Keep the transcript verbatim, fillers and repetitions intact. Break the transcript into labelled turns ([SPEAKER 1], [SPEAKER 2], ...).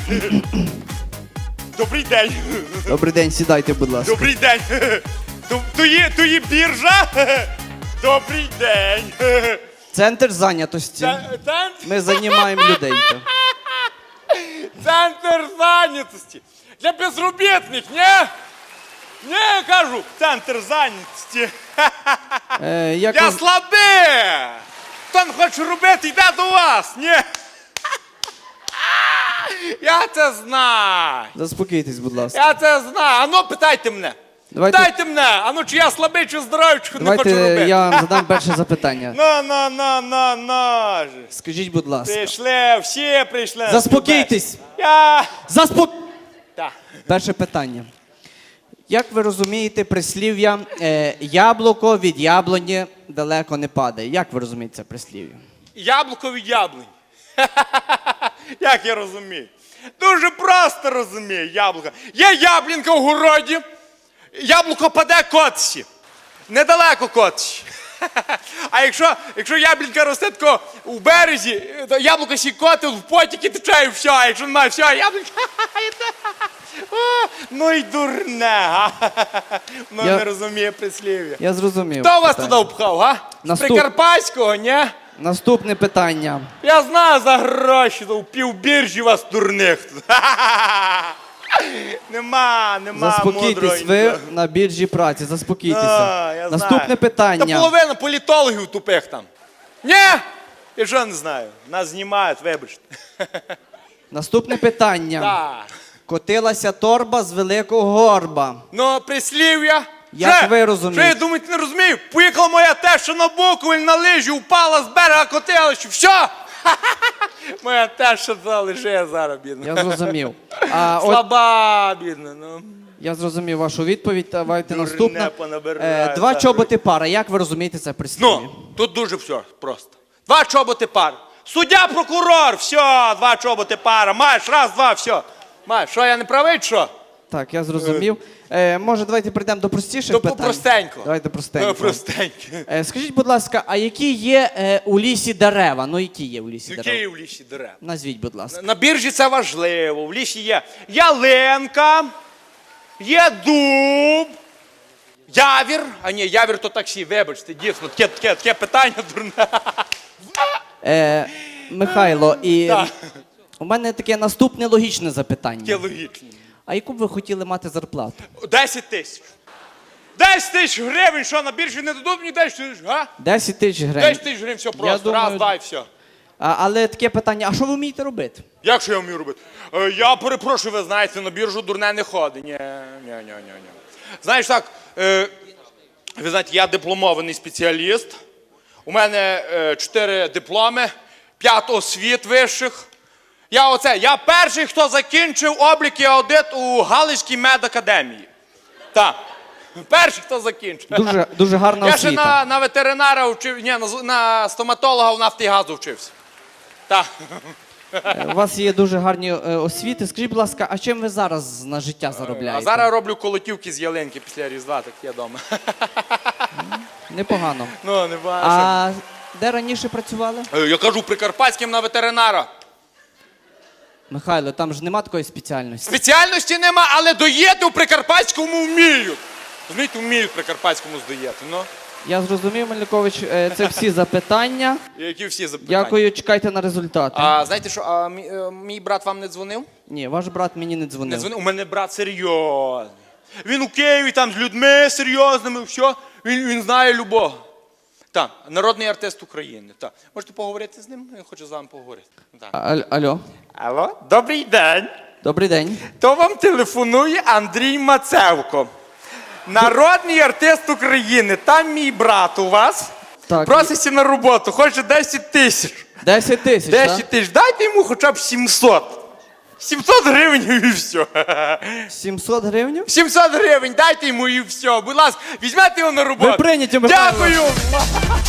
[SPEAKER 1] Добрий день.
[SPEAKER 2] Добрий день, сідайте, будь ласка.
[SPEAKER 1] Добрий день. То, то, є, то є біржа? Добрий день.
[SPEAKER 2] Центр зайнятості.
[SPEAKER 1] Ц- Центр,
[SPEAKER 2] Ми займаємо людей. то.
[SPEAKER 1] центр зайнятості. Для безробітних, ні? Ні, я кажу, центр зайнятості.
[SPEAKER 2] Е, як
[SPEAKER 1] Я
[SPEAKER 2] ви-
[SPEAKER 1] слабий. Хто не хоче робити, йде до вас, ні? Я це знаю.
[SPEAKER 2] Заспокійтесь, будь ласка.
[SPEAKER 1] Я це знаю. Ану, питайте мене.
[SPEAKER 2] Давайте-
[SPEAKER 1] Питайте мене. Ану, чи я слабий, чи здоровий, чи не
[SPEAKER 2] Давайте
[SPEAKER 1] хочу робити.
[SPEAKER 2] я вам задам перше запитання.
[SPEAKER 1] На, на, на, на, на. же.
[SPEAKER 2] Скажіть, будь ласка.
[SPEAKER 1] Прийшли, всі прийшли.
[SPEAKER 2] Заспокійтесь.
[SPEAKER 1] Я...
[SPEAKER 2] Заспок...
[SPEAKER 1] Так.
[SPEAKER 2] Перше питання. Як ви розумієте прислів'я е, «яблуко від яблуні далеко не падає»? Як ви розумієте це прислів'я?
[SPEAKER 1] Яблуко від яблунь. Як я розумію? Дуже просто розумію яблуко. Є яблінка в городі, яблуко паде котці. Недалеко котці. А якщо, якщо яблінка росте тако у березі, то яблуко сі котив в потіки тече і все. А якщо немає все, яблінка... О, ну й дурне, га? Ну
[SPEAKER 2] Я-
[SPEAKER 1] не розуміє прислів'я.
[SPEAKER 2] Я зрозумів.
[SPEAKER 1] Хто вас
[SPEAKER 2] питання.
[SPEAKER 1] туди впхав, га? З
[SPEAKER 2] Наступ-
[SPEAKER 1] Прикарпатського, ні?
[SPEAKER 2] Наступне питання.
[SPEAKER 1] Я знаю за гроші, то в півбіржі вас дурних. Нема, нема
[SPEAKER 2] Заспокійтесь,
[SPEAKER 1] мудрого
[SPEAKER 2] ви
[SPEAKER 1] нікого.
[SPEAKER 2] на біржі праці, заспокійтеся.
[SPEAKER 1] А, я
[SPEAKER 2] Наступне
[SPEAKER 1] знаю. Та
[SPEAKER 2] питання.
[SPEAKER 1] половина політологів тупих там. Ні? Я що не знаю. Нас знімають, вибачте.
[SPEAKER 2] Наступне питання.
[SPEAKER 1] Так.
[SPEAKER 2] Котилася торба з великого горба.
[SPEAKER 1] Ну, прислів'я.
[SPEAKER 2] Як
[SPEAKER 1] Що?
[SPEAKER 2] ви розумієте?
[SPEAKER 1] Що я думаєте, не розумію? Поїхала моя теща на Буковель на лижі, упала з берега, котилася. Все. Моя теща туди лежить зараз, бідна.
[SPEAKER 2] Я зрозумів. А, от,
[SPEAKER 1] Слаба, бідна, ну.
[SPEAKER 2] я зрозумів вашу відповідь. Давайте
[SPEAKER 1] Дурне
[SPEAKER 2] наступне.
[SPEAKER 1] понабирає,
[SPEAKER 2] Е, два
[SPEAKER 1] так.
[SPEAKER 2] чоботи пара. Як ви розумієте це прислів'я?
[SPEAKER 1] Ну, тут дуже все просто. Два чоботи пар. Суддя, прокурор, все, два чоботи пара. Маєш, раз, два, все. Маєш, що, я не правий, чи що?
[SPEAKER 2] Так, я зрозумів. Е, може, давайте прийдемо до простіших
[SPEAKER 1] То
[SPEAKER 2] питань?
[SPEAKER 1] простенько.
[SPEAKER 2] Давайте простенько.
[SPEAKER 1] Е, Простенько.
[SPEAKER 2] Е, скажіть, будь ласка, а які є е, у лісі дерева? Ну, які є у лісі
[SPEAKER 1] Які
[SPEAKER 2] дерева?
[SPEAKER 1] є в лісі дерев?
[SPEAKER 2] Назвіть, будь ласка.
[SPEAKER 1] На біржі це важливо. В лісі є ялинка, є дуб, явір. А ні, явір то таксі, вибачте, дійсно, таке, таке, таке питання дурне.
[SPEAKER 2] Е, Михайло, і
[SPEAKER 1] Так.
[SPEAKER 2] у мене таке наступне логічне запитання.
[SPEAKER 1] Таке логічне.
[SPEAKER 2] А яку б ви хотіли мати зарплату?
[SPEAKER 1] Десять тисяч. Десять тисяч гривень, що на біржі не дадуть мені десять тисяч, га?
[SPEAKER 2] десять тисяч гривень.
[SPEAKER 1] Десять тисяч гривень, все просто,
[SPEAKER 2] думаю-
[SPEAKER 1] раз, два і все.
[SPEAKER 2] А, але таке питання, а що ви вмієте робити?
[SPEAKER 1] Як що я вмію робити? Е, я перепрошую, ви знаєте, на біржу дурне не ходить. Ні, ні, ні, ні, ні. Знаєш так, е, ви знаєте, я дипломований спеціаліст. У мене е, чотири дипломи, п'ять освіт вищих. Я оце, я перший, хто закінчив облік і аудит у Галицькій медакадемії. Так, перший, хто закінчив.
[SPEAKER 2] Дуже, дуже гарна
[SPEAKER 1] Я ще
[SPEAKER 2] освіта.
[SPEAKER 1] на, на ветеринара вчив, ні, на, з- на стоматолога в нафті і газу вчився. Так.
[SPEAKER 2] Е, У вас є дуже гарні е, освіти. Скажіть, будь ласка, а чим ви зараз на життя заробляєте?
[SPEAKER 1] А зараз роблю колотівки з ялинки після Різдва, так є вдома.
[SPEAKER 2] Непогано.
[SPEAKER 1] Ну, не бачу.
[SPEAKER 2] А де раніше працювали?
[SPEAKER 1] Я кажу, Прикарпатським на ветеринара.
[SPEAKER 2] Михайло, там ж нема такої спеціальності.
[SPEAKER 1] Спеціальності нема, але доїти у Прикарпатському вміють. Розумієте, вміють в Прикарпатському здоїти. Ну,
[SPEAKER 2] Я зрозумів, Мельникович, е, це всі запитання.
[SPEAKER 1] які всі запитання.
[SPEAKER 2] Дякую, чекайте на результати.
[SPEAKER 1] А знаєте що, а, мій, е, мій брат вам не дзвонив?
[SPEAKER 2] Ні, ваш брат мені не
[SPEAKER 1] Не
[SPEAKER 2] дзвонив.
[SPEAKER 1] дзвонив? У мене брат серйозний. Він у Києві там з людьми серйозними, все. Він, він знає любого. Так, народний артист України. Так. Можете поговорити з ним? Він хоче з вами поговорити. Так.
[SPEAKER 2] А- Алло,
[SPEAKER 1] Алло, добрий день.
[SPEAKER 2] добрий день.
[SPEAKER 1] То вам телефонує Андрій Мацевко. Народний артист України. Там мій брат у вас.
[SPEAKER 2] Так.
[SPEAKER 1] Проситься на роботу, хоче десять тисяч.
[SPEAKER 2] десять тисяч, так?
[SPEAKER 1] десять тисяч. Дайте йому хоча б сімсот. сімсот гривень і все.
[SPEAKER 2] сімсот гривень?
[SPEAKER 1] сімсот гривень, дайте йому і все. Будь ласка, візьмете його на роботу.
[SPEAKER 2] Ви прийняті, Михайло.
[SPEAKER 1] Дякую.